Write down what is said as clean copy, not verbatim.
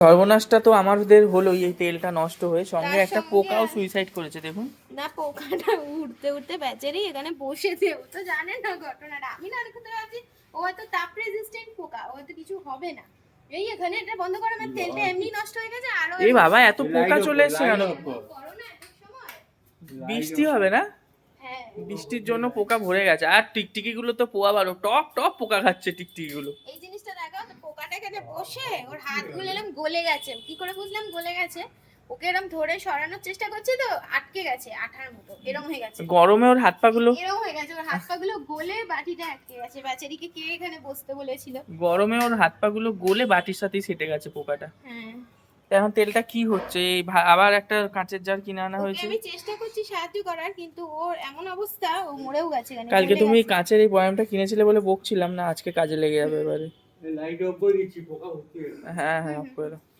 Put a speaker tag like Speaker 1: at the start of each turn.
Speaker 1: সর্বনাশটা তো আমাদের হলোই, এই তেলটা নষ্ট হয়ে, সঙ্গে
Speaker 2: তার
Speaker 1: একটা
Speaker 2: সঙ্গে
Speaker 1: পোকাও সুইসাইড করেছে দেখুন।
Speaker 2: না, পোকাটা উঠতে উঠতে বেচারি এখানে বসেছে, ও তো জানে না ঘটনাটা। আমি না দেখতে পাচ্ছি ও হয়তো তাপ রেজিস্ট্যান্ট পোকা, ও হয়তো কিছু হবে না। এই এখানে এটা বন্ধ করে, আমার তেলটা এমনি নষ্ট হয়ে গেছে আরো।
Speaker 1: এ বাবা, এত পোকা চলে এসছে কেন?
Speaker 2: করো না এত সময়।
Speaker 1: বৃষ্টি হবে না?
Speaker 2: হ্যাঁ,
Speaker 1: বৃষ্টির জন্য পোকা ভরে গেছে। আর টিকটিকি গুলো তো পোয়া বারো, টপ টপ পোকা খাচ্ছে টিকটিকি গুলো।
Speaker 2: এই জিনিসটা দেখাও তো, পোকাটা এখানে বসে ওর হাতগুলো এরকম গলে গেছে। কি করে বুঝলাম গলে গেছে? ওকে এরকম ধরে সরানোর চেষ্টা করছি তো আটকে গেছে আঠার মতো, এরকম হয়ে গেছে।
Speaker 1: গরমে ওর হাত পা গুলো,
Speaker 2: এরকম হয়ে গেছে, ওর হাত পা গুলো গলে বাটিটা আটকে গেছে। বেচারিকে কে এখানে বসতে বলেছিল?
Speaker 1: গরমে ওর হাত পা গুলো গলে বাটির সাথেই সেটে গেছে পোকাটা।
Speaker 2: হ্যাঁ,
Speaker 1: তো এখন তেলটা কি হচ্ছে? এই আবার একটা কাঁচের জার কিনে আনা
Speaker 2: ওকে
Speaker 1: হয়েছে।
Speaker 2: আমি চেষ্টা করছি সাহায্য করার, কিন্তু ওর এমন অবস্থা, ও মরেও গেছে এখানে,
Speaker 1: কালকে
Speaker 2: গলে
Speaker 1: তুমি
Speaker 2: গেছে।
Speaker 1: কাঁচের এই বয়ামটা কিনেছিলে বলে বকছিলাম না, আজকে কাজে লেগে যাবে এবারে।
Speaker 3: লাইট অফ করে দিচ্ছি, পোকা ভর্তি হয়ে গেছে।
Speaker 1: হ্যাঁ হ্যাঁ,
Speaker 2: হুম,
Speaker 1: অফ করে দাও।